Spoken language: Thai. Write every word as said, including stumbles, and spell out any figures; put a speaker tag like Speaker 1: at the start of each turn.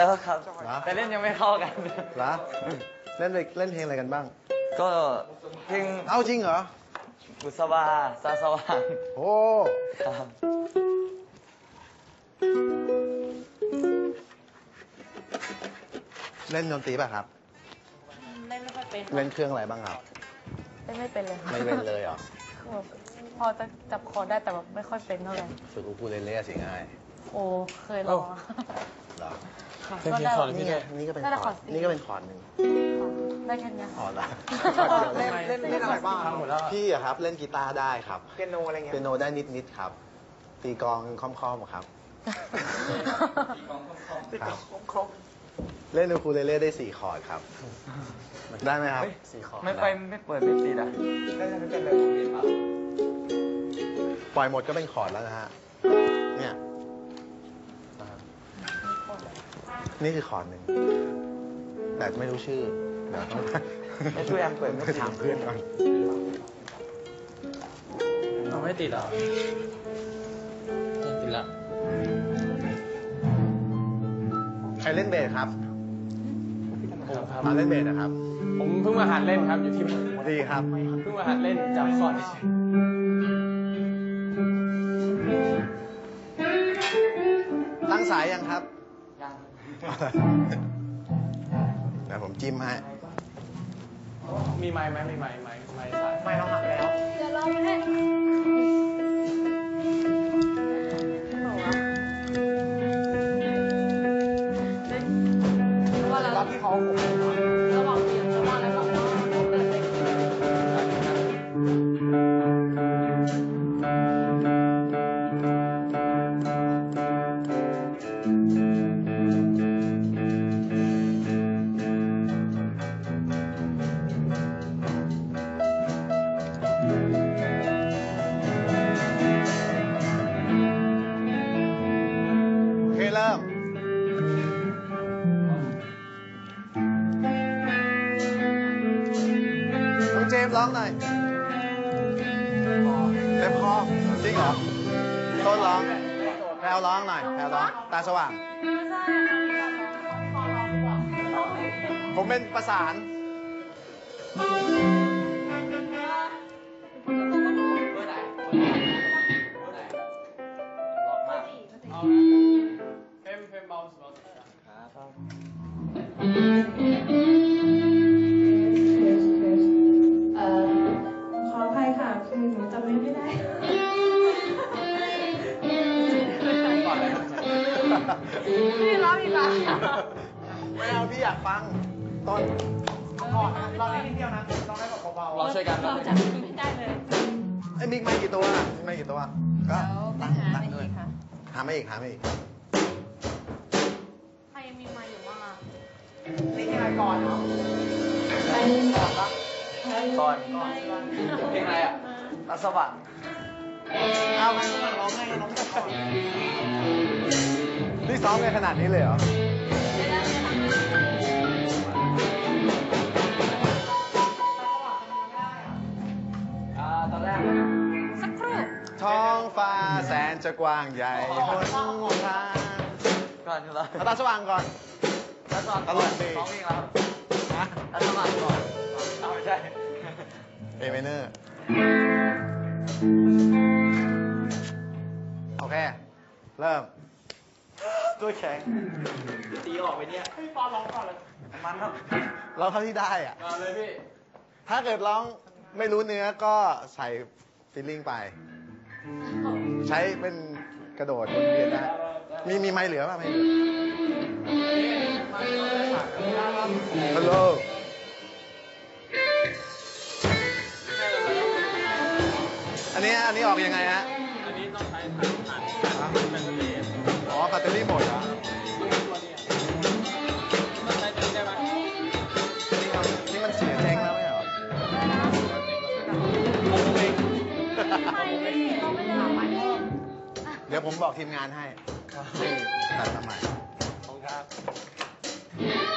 Speaker 1: แล้วครับแต่เล่นยังไม่เข้ากัน
Speaker 2: เหรอเล่นเล่นเพลงอะไรกันบ้าง
Speaker 1: ก็เพลง
Speaker 2: เอาจริงเหรอ
Speaker 1: บุษบาซาสว่าง
Speaker 2: โอ้
Speaker 1: ครับ
Speaker 2: เล่นดนตรีป่ะครับ
Speaker 3: เล่นไม่ค่อยเป็น
Speaker 2: เล่นเครื่องอะไรบ้างครับ
Speaker 3: เล่นไม่เป็นเลย
Speaker 2: ไม่เป็นเลยเหรอ
Speaker 3: พอจะจับคอได้แต่แบบไม่ค่อยเป็นเท่าไหร่
Speaker 2: ฝึกอูคูเลเล่สิง่าย
Speaker 3: โอ้เคยลอง
Speaker 2: เหรอ
Speaker 3: ก็ได้
Speaker 2: นี่ก็นี่ก็เป็นคอร์ดนี่ก็เป็นคอร์ดหนึ่ง
Speaker 3: ได้แค่นี้
Speaker 2: คอร์ดละ
Speaker 4: เล่นเล่นเล่นอะไรบ้าง
Speaker 2: พี่อะครับเล่นกีตาร์ได้ครับ
Speaker 4: เปียโนอะไรเงี้ย
Speaker 2: เปียโนได้นิดนิดครับตีกลองค่อมๆครับ
Speaker 4: ตีกลองคม
Speaker 2: เล่นอูคูเลเล่ได้สี่คอร์ดครับได้ไหมครับ
Speaker 1: สี่คอร์ดไม่ไปไม่เปิดไม่ติดอ่ะ
Speaker 4: ได้ไม่เป็นเลย
Speaker 2: ปล่อยหมดก็เป็นคอร์ดแล้วนะฮะเนี่ยนี่คือคอร์ดหนึ่งแต่ไม่รู้ชื่อเดี๋ยวต้อง
Speaker 1: ไม่ช่วยแอมเปิดไม่
Speaker 2: ถามเพื่อนก่อน
Speaker 1: เราไม่ติดหรอติดละ
Speaker 2: ใครเล่นเบสครับมาเล่นเบสนะครับ
Speaker 1: ผมเพิ่งมาหัดเล่นครับอยู่ที่
Speaker 2: ดีครับ
Speaker 1: เพิ่งมาหัดเล่นจับคอร์ด
Speaker 2: ตั้งสายยังครับ
Speaker 1: ยัง
Speaker 2: เดี๋ยวผมจิ้มให้
Speaker 1: มีไม้ไหมมีไม้ไม้ไม้สาย
Speaker 4: ไม้เราหักแล้ว
Speaker 3: เดี๋ยวลองให้
Speaker 4: รับที่เขาผม
Speaker 3: ระหว่างเสียงระหว่างอะไรแบบว่าเปิดเพลง
Speaker 2: เริ่มน้องเจมส์ร้องหน่อยเล็บคอจริงเหรอต้นร้องแพลวร้องหน่อยแพลวร้องตาสว่างผมเป็นประสาน
Speaker 3: ขออภัยค่ะคือหนูจำไม่ได้พี่ร้องอีกแล้ว
Speaker 2: ไม่เอาพี่อยากฟังต้น
Speaker 4: ก่อนลองได้นิดเดียวนะลองได้แบบเบาๆ
Speaker 1: เราช่วยกัน
Speaker 3: เราจับไม่ได้เลย
Speaker 2: ไอ้มิกไม่กี่ตัวไม่กี่ตัวก็ตั้งตั้งด้วยหาไม่อีกหาไม่อีก
Speaker 3: ใครยังมีไม้อยู่บ้างอ่ะ
Speaker 4: นี่ที่ไหนก่อนเนาะก่อนปะ
Speaker 1: ก่อนเพลงอะไรอ่ะตาสว่าง
Speaker 4: เอาไปร้องไงร้องแต่ก่อน
Speaker 2: นี่ซ้อมกันขนาดนี้เลยเหรอ
Speaker 1: ตอนแรก
Speaker 3: สักครู่
Speaker 2: ท้องฟ้าแสนจะกว้างใหญ่หนทาง
Speaker 1: ก่อนเหรอ
Speaker 2: ตาสว่างก่อน
Speaker 1: ตาสว่างตลอดสองเพลงแล้วฮะตาสว่างก่อนเอาไม่ใช่
Speaker 2: เอเมเนอร์โอเคเริ่มตัวแข็ง
Speaker 1: ตีออกไปเนี่ย
Speaker 4: พี่ปอร้องก่อนเลย
Speaker 1: มันครับ
Speaker 2: ร้องเท่าที่ได้อ่ะ
Speaker 1: มาเลยพี่
Speaker 2: ถ้าเกิดร้องไม่รู้เนื้อก็ใส่ฟีลลิ่งไปใช้เป็นกระโดดวนเวียนได้มีมีไม้เหลือป่ะไม่เหลือฮัลโหลอันนี้อันนี้ออกยังไงฮะ
Speaker 1: อันนี้ต้องใช้ถ่านถ่านแบตเตอรี่
Speaker 2: อ๋อแบตเตอรี่หมดเหรอ
Speaker 1: ต้องใช้ตัวนี้ได้ไหม
Speaker 2: นี่มันเสียเจ๊งแล้วไม่เหรอเดี๋ยวผมบอกทีมงานให้ตัดทำไมขอบคุณครับ